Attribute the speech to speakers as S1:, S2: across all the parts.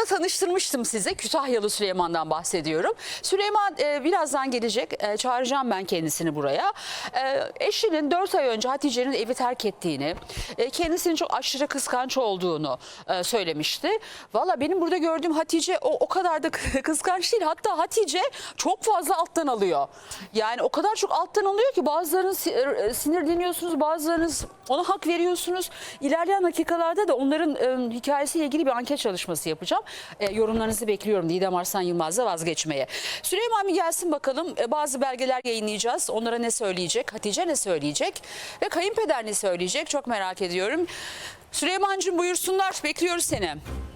S1: Süleyman'ı tanıştırmıştım size. Kütahyalı Süleyman'dan bahsediyorum. Süleyman birazdan gelecek. Çağıracağım ben kendisini buraya. Eşinin 4 ay önce Hatice'nin evi terk ettiğini, kendisinin çok aşırı kıskanç olduğunu söylemişti. Valla benim burada gördüğüm Hatice o kadar da kıskanç değil. Hatta Hatice çok fazla alttan alıyor. Yani o kadar çok alttan alıyor ki bazılarınız sinirleniyorsunuz, bazılarınız ona hak veriyorsunuz. İlerleyen dakikalarda da onların hikayesiyle ilgili bir anket çalışması yapacağım. Yorumlarınızı bekliyorum Didem Arslan Yılmaz'la vazgeçmeye. Süleyman bir gelsin bakalım. Bazı belgeler yayınlayacağız. Onlara ne söyleyecek? Hatice ne söyleyecek? Ve kayınpeder ne söyleyecek? Çok merak ediyorum. Süleymancığım buyursunlar. Bekliyoruz seni.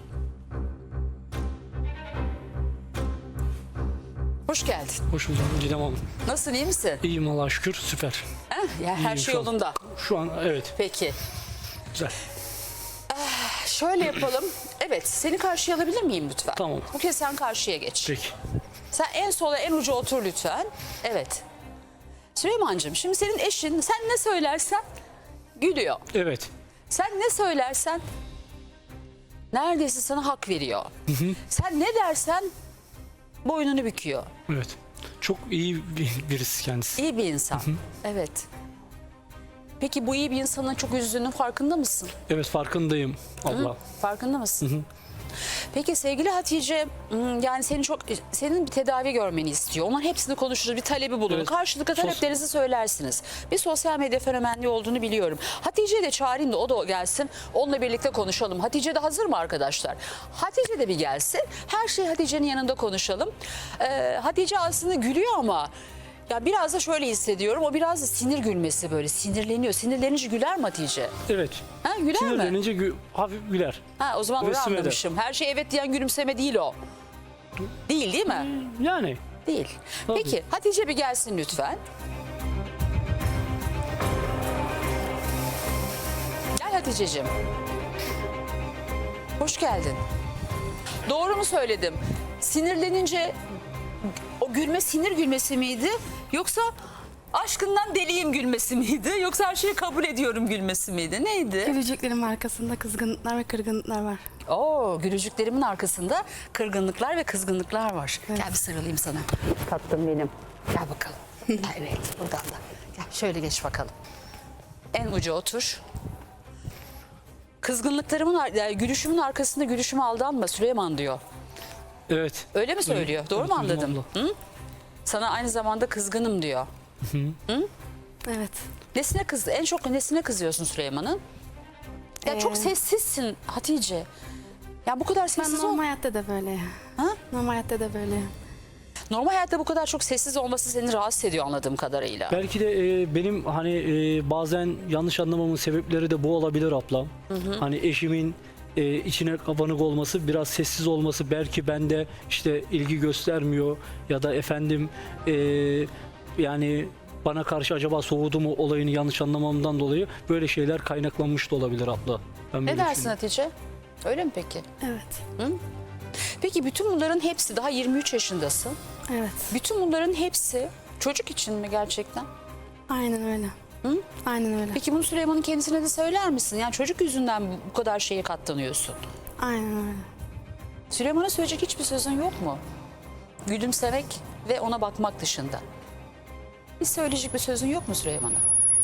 S1: Hoş geldin.
S2: Hoş bulduk Didem Hanım.
S1: Nasılsın, iyi misin?
S2: İyiyim Allah'a şükür, süper.
S1: Ya, her
S2: İyiyim
S1: şey
S2: şu an.
S1: yolunda.
S2: Şu an evet,
S1: Peki.
S2: güzel.
S1: Şöyle yapalım. Evet, seni karşıya alabilir miyim lütfen?
S2: Tamam.
S1: Bu kez sen karşıya geç.
S2: Peki.
S1: Sen en sola, en uca otur lütfen. Evet. Süleymancığım, şimdi senin eşin sen ne söylersen gülüyor.
S2: Evet.
S1: Sen ne söylersen neredeyse sana hak veriyor. Sen ne dersen boynunu büküyor.
S2: Evet. Çok iyi birisi kendisi.
S1: İyi bir insan. Evet. Peki bu iyi bir insanın çok üzdüğünün farkında mısın?
S2: Evet, farkındayım abla.
S1: Farkında mısın? Peki sevgili Hatice, yani senin bir tedavi görmeni istiyor. Onların hepsini konuşuruz, bir talebi bulunur.
S2: Evet.
S1: Karşılıklı taleplerinizi söylersiniz. Bir sosyal medya fenomenliği olduğunu biliyorum. Hatice'yi de çağırayım da o da gelsin. Onunla birlikte konuşalım. Hatice de hazır mı arkadaşlar? Hatice de bir gelsin. Her şeyi Hatice'nin yanında konuşalım. Hatice aslında gülüyor ama ya biraz da şöyle hissediyorum. O biraz da sinir gülmesi, böyle sinirleniyor. Sinirlenince güler mi Hatice?
S2: Evet.
S1: Ha, güler mi?
S2: Sinirlenince hafif güler.
S1: Ha, o zaman doğru
S2: Resim eder.
S1: anlamışım. Her şey evet diyen gülümseme değil o. Değil mi?
S2: Yani.
S1: Değil.
S2: Tabii.
S1: Peki Hatice bir gelsin lütfen. Gel Hatice'cim. Hoş geldin. Doğru mu söyledim? Sinirlenince o gülme sinir gülmesi miydi? Yoksa aşkından deliyim gülmesi miydi? Yoksa her şeyi kabul ediyorum gülmesi miydi? Neydi?
S3: Gülücüklerimin arkasında kızgınlıklar ve kırgınlıklar var.
S1: Oo, gülücüklerimin arkasında kırgınlıklar ve kızgınlıklar var.
S3: Evet.
S1: Gel bir sarılayım sana. Tatlım benim. Gel bakalım. Evet, buradan da. Gel şöyle geç bakalım. En uca otur. Yani gülüşümün arkasında gülüşüme aldanma Süleyman diyor.
S2: Evet.
S1: Öyle mi söylüyor? Doğru
S2: Evet,
S1: mu
S2: duydum
S1: anladım? Hı? Sana aynı zamanda kızgınım diyor.
S3: Evet.
S1: En çok nesine kızıyorsun Süleyman'ın? Ya çok sessizsin Hatice. Ya bu kadar
S3: Ben
S1: sessiz
S3: normal hayatta da böyle.
S1: Ha?
S3: Normal hayatta da böyle.
S1: Normal hayatta bu kadar çok sessiz olması seni rahatsız ediyor anladığım kadarıyla.
S2: Belki de benim hani bazen yanlış anlamamın sebepleri de bu olabilir ablam. Hani eşimin içine kapanık olması, biraz sessiz olması, belki bende işte ilgi göstermiyor ya da efendim yani bana karşı acaba soğudu mu olayını yanlış anlamamdan dolayı böyle şeyler kaynaklanmış da olabilir abla. Ben
S1: Ne
S2: böyle
S1: dersin
S2: düşünüyorum.
S1: Hatice? Öyle mi peki?
S3: Evet.
S1: Peki bütün bunların hepsi, daha 23 yaşındasın.
S3: Evet.
S1: Bütün bunların hepsi çocuk için mi gerçekten?
S3: Aynen öyle.
S1: Hı?
S3: Aynen öyle.
S1: Peki bunu Süleyman'ın kendisine de söyler misin? Yani çocuk yüzünden bu kadar şeye katlanıyorsun.
S3: Aynen öyle.
S1: Süleyman'a söyleyecek hiçbir sözün yok mu? Gülümsemek ve ona bakmak dışında. Hiç söyleyecek bir sözün yok mu Süleyman'a?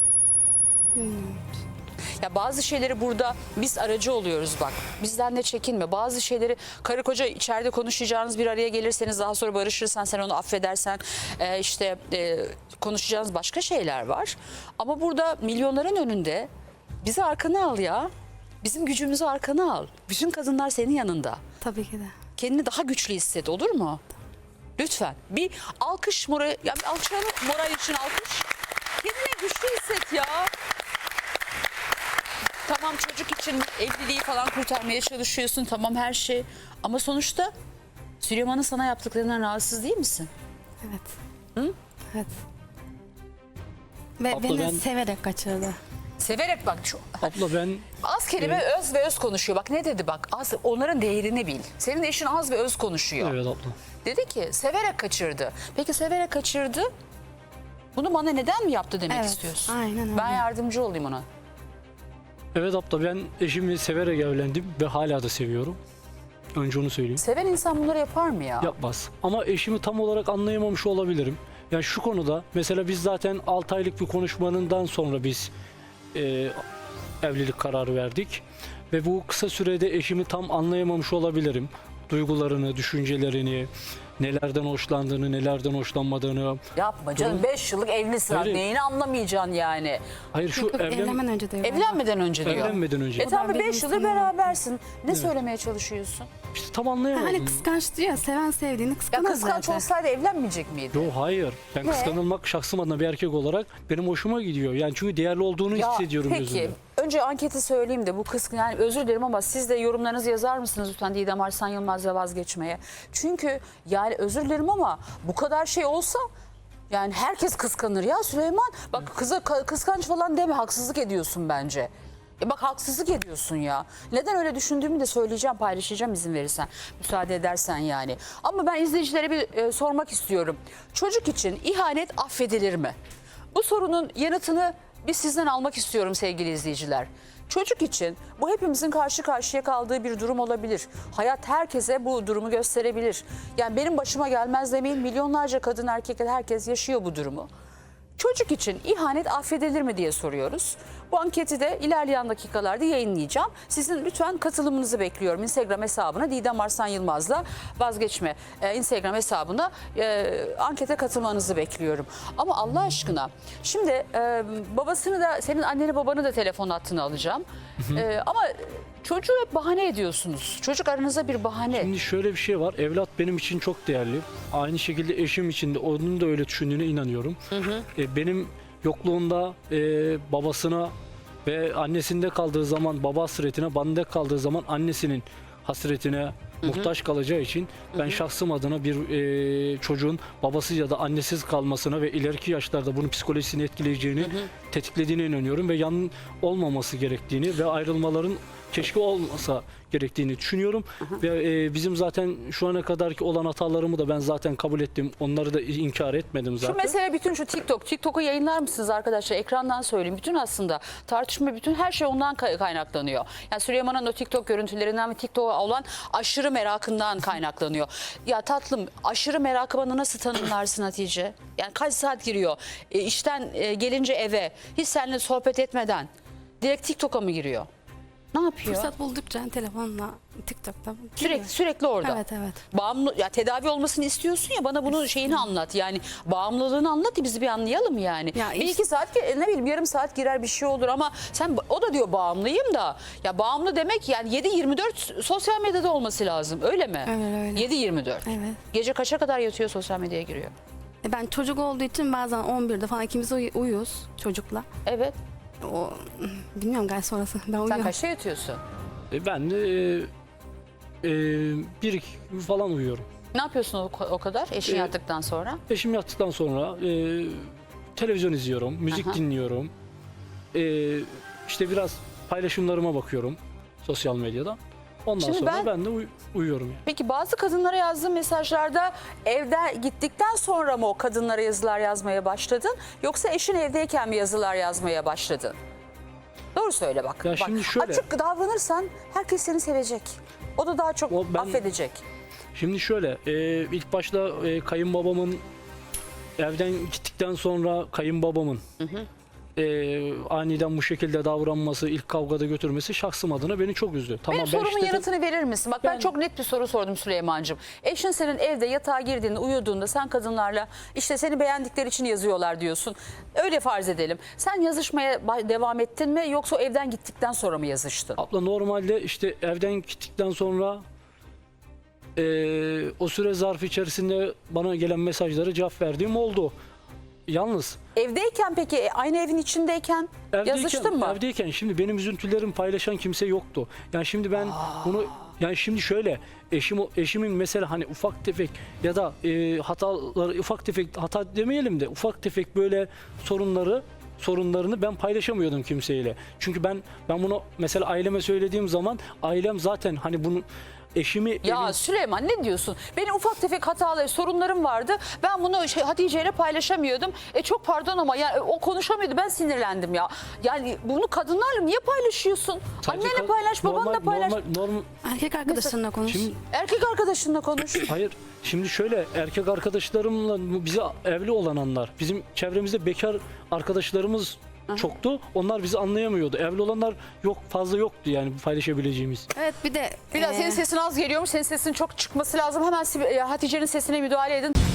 S1: Ya bazı şeyleri burada biz aracı oluyoruz bak. Bizden de çekinme. Bazı şeyleri karı koca içeride konuşacağınız, bir araya gelirseniz daha sonra barışırsan, sen onu affedersen konuşacağınız başka şeyler var. Ama burada milyonların önünde bizi arkana al ya. Bizim gücümüzü arkana al. Bütün kadınlar senin yanında.
S3: Tabii ki de.
S1: Kendini daha güçlü hisset, olur mu? Lütfen. Bir alkış moral, ya bir alkışlayalım, moral için alkış. Kendini güçlü hisset ya. Tamam, çocuk için evliliği falan kurtarmaya çalışıyorsun, tamam her şey. Ama sonuçta Süleyman'ın sana yaptıklarından rahatsız değil misin?
S3: Evet.
S1: Hı?
S3: Evet. Ve
S2: Abla
S3: beni
S2: ben-
S3: severek kaçırdı.
S1: Severek bak.
S2: Abla ben
S1: Az kelime öz ve öz konuşuyor. Bak ne dedi bak. Az, onların değerini bil. Senin eşin az ve öz konuşuyor.
S2: evet abla.
S1: Dedi ki severek kaçırdı. Peki severek kaçırdı. Bunu bana neden mi yaptı demek
S3: Evet,
S1: istiyorsun?
S3: aynen öyle.
S1: Ben yardımcı olayım ona.
S2: Evet abla, ben eşimi severek evlendim ve hala da seviyorum. Önce onu söyleyeyim.
S1: Seven insan bunları yapar mı ya?
S2: Yapmaz. Ama eşimi tam olarak anlayamamış olabilirim. Yani şu konuda mesela biz zaten 6 aylık bir konuşmanından sonra biz evlilik kararı verdik. Ve bu kısa sürede eşimi tam anlayamamış olabilirim. Duygularını, düşüncelerini, nelerden hoşlandığını, nelerden hoşlanmadığını.
S1: Yapma canım, 5 yıllık evlisin.
S2: Hayır.
S1: Neyini anlamayacaksın yani?
S2: Hayır şu
S3: Yok, evlenmeden önce de öyle.
S1: Evlenmeden önce diyor.
S2: evlenmeden önce.
S1: Tamam,
S3: benim
S1: 5 yıldır
S3: insanım.
S1: berabersin. Ne söylemeye çalışıyorsun?
S2: İşte tam anlayamadım.
S3: Hani kıskanç diyor ya, seven sevdiğini
S1: Ya
S3: kıskanır
S1: kıskanç
S3: zaten.
S1: olsaydı evlenmeyecek miydi?
S2: Yo hayır. Ben kıskanılmak şahsım adına bir erkek olarak benim hoşuma gidiyor. Yani çünkü değerli olduğunu
S1: Ya
S2: hissediyorum
S1: peki,
S2: gözümde.
S1: önce anketi söyleyeyim de bu kısmı, yani özür dilerim ama siz de yorumlarınızı yazar mısınız lütfen Didem Arslan Yılmaz'la vazgeçmeye? Çünkü yani özür dilerim ama bu kadar şey olsa yani herkes kıskanır ya Süleyman. Bak kıza kıskanç falan deme, haksızlık ediyorsun bence. Bak haksızlık ediyorsun ya. Neden öyle düşündüğümü de söyleyeceğim, paylaşacağım izin verirsen, müsaade edersen yani. Ama ben izleyicilere bir sormak istiyorum. Çocuk için ihanet affedilir mi? Bu sorunun yanıtını biz sizden almak istiyorum sevgili izleyiciler. Çocuk için bu hepimizin karşı karşıya kaldığı bir durum olabilir. Hayat herkese bu durumu gösterebilir. Yani benim başıma gelmez demeyin, milyonlarca kadın erkek herkes yaşıyor bu durumu. Çocuk için ihanet affedilir mi diye soruyoruz. Bu anketi de ilerleyen dakikalarda yayınlayacağım. Sizin lütfen katılımınızı bekliyorum. Instagram hesabına Didem Arslan Yılmaz'la vazgeçme Instagram hesabına ankete katılmanızı bekliyorum. Ama Allah aşkına şimdi babasını da, senin anneni babanı da telefon hattına alacağım. Ama çocuğu hep bahane ediyorsunuz. Çocuk aranızda bir bahane.
S2: Şimdi şöyle bir şey var. Evlat benim için çok değerli. Aynı şekilde eşim için de onun da öyle düşündüğüne inanıyorum. Benim yokluğunda babasına ve annesinde kaldığı zaman baba hasretine, bende kaldığı zaman annesinin hasretine muhtaç kalacağı için ben şahsım adına bir çocuğun babası ya da annesiz kalmasına ve ileriki yaşlarda bunun psikolojisini etkileyeceğini, tetiklediğine inanıyorum ve yan olmaması gerektiğini ve ayrılmaların keşke olmasa gerektiğini düşünüyorum. Ve bizim zaten şu ana kadarki olan hatalarımı da ben zaten kabul ettim. Onları da inkar etmedim zaten.
S1: Şu mesele bütün şu TikTok'u yayınlar mısınız arkadaşlar? Ekrandan söyleyeyim. Bütün aslında tartışma, bütün her şey ondan kaynaklanıyor. Yani Süleyman'ın o TikTok görüntülerinden ve TikTok'a olan aşırı merakından kaynaklanıyor. Ya tatlım, aşırı merakı bana nasıl tanımlarsın Hatice? Yani kaç saat giriyor? İşten gelince eve hiç seninle sohbet etmeden direkt TikTok'a mı giriyor? Ne yapıyor?
S3: Fırsat buldukça telefonla, TikTok'ta. giriyor.
S1: Sürekli orada.
S3: Evet, evet.
S1: Bağımlı, ya tedavi olmasını istiyorsun ya, bana bunun şeyini anlat. Yani bağımlılığını anlat da bizi bir anlayalım yani.
S3: Ya
S1: bir iki saat, ne bileyim yarım saat girer bir şey olur ama sen, o da diyor bağımlıyım da. Ya bağımlı demek yani 7-24 sosyal medyada olması lazım, öyle mi?
S3: Evet, öyle.
S1: 7-24.
S3: Evet.
S1: Gece kaça kadar yatıyor, sosyal medyaya giriyor?
S3: Ben çocuk olduğu için bazen 11'de falan ikimiz uyuyoruz çocukla.
S1: Evet.
S3: O bilmiyorum galiba sonrası. Ben
S1: Sen
S3: uyuyorum.
S1: kaçta yatıyorsun?
S2: Ben de bir iki gün falan uyuyorum.
S1: Ne yapıyorsun o kadar eşin yattıktan sonra?
S2: Eşim yattıktan sonra televizyon izliyorum, müzik
S1: Aha.
S2: dinliyorum. İşte biraz paylaşımlarıma bakıyorum sosyal medyada. Ondan
S1: Şimdi
S2: sonra ben de uyuyorum. Yani.
S1: Peki bazı kadınlara yazdığın mesajlarda evde gittikten sonra mı o kadınlara yazılar yazmaya başladın? Yoksa eşin evdeyken mi yazılar yazmaya başladın? Doğru söyle bak.
S2: Ya
S1: Bak,
S2: şimdi şöyle.
S1: açık davranırsan herkes seni sevecek. O da daha çok
S2: Ben-
S1: affedecek.
S2: Şimdi şöyle, ilk başta kayınbabamın evden gittikten sonra kayınbabamın aniden bu şekilde davranması, ilk kavgada götürmesi şahsım adına beni çok üzdü. Tamam,
S1: Benim sorumun
S2: şiddetin-
S1: yanıtını verir misin? Bak ben
S2: Ben-
S1: çok net bir soru sordum Süleyman'cığım. Eşin senin evde yatağa girdiğinde, uyuduğunda sen kadınlarla işte seni beğendikleri için yazıyorlar diyorsun. Öyle farz edelim. Sen yazışmaya devam ettin mi, yoksa o evden gittikten sonra mı yazıştın?
S2: Abla normalde işte evden gittikten sonra o süre zarfı içerisinde bana gelen mesajlara cevap verdiğim oldu. Yalnız
S1: Evdeyken peki, aynı evin içindeyken yazıştın mı?
S2: evdeyken şimdi benim üzüntülerimi paylaşan kimse yoktu. Yani şimdi ben bunu, yani şimdi şöyle, eşimin mesela hani ufak tefek ya da hataları, ufak tefek hata demeyelim de ufak tefek böyle sorunlarını ben paylaşamıyordum kimseyle. Çünkü ben bunu mesela aileme söylediğim zaman ailem zaten hani bunu eşimi
S1: Ya Süleyman ne diyorsun? Benim ufak tefek hataları, sorunlarım vardı. Ben bunu Hatice ile paylaşamıyordum. Çok pardon ama yani o konuşamıyordu. Ben sinirlendim ya. Yani bunu kadınlarla niye paylaşıyorsun?
S2: sadece
S1: Annenle paylaş, babanla paylaş.
S2: normal.
S3: Erkek arkadaşlarına konuş.
S2: Şimdi
S1: Erkek arkadaşınla konuş.
S2: hayır. Şimdi şöyle, erkek arkadaşlarımla bize evli olanlar, bizim çevremizde bekar arkadaşlarımız çoktu. Onlar bizi anlayamıyordu. Evli olanlar fazla yoktu yani paylaşabileceğimiz.
S3: Evet, bir de
S1: Biraz senin sesin az geliyormuş. Senin sesin çok çıkması lazım. Hemen Hatice'nin sesine müdahale edin.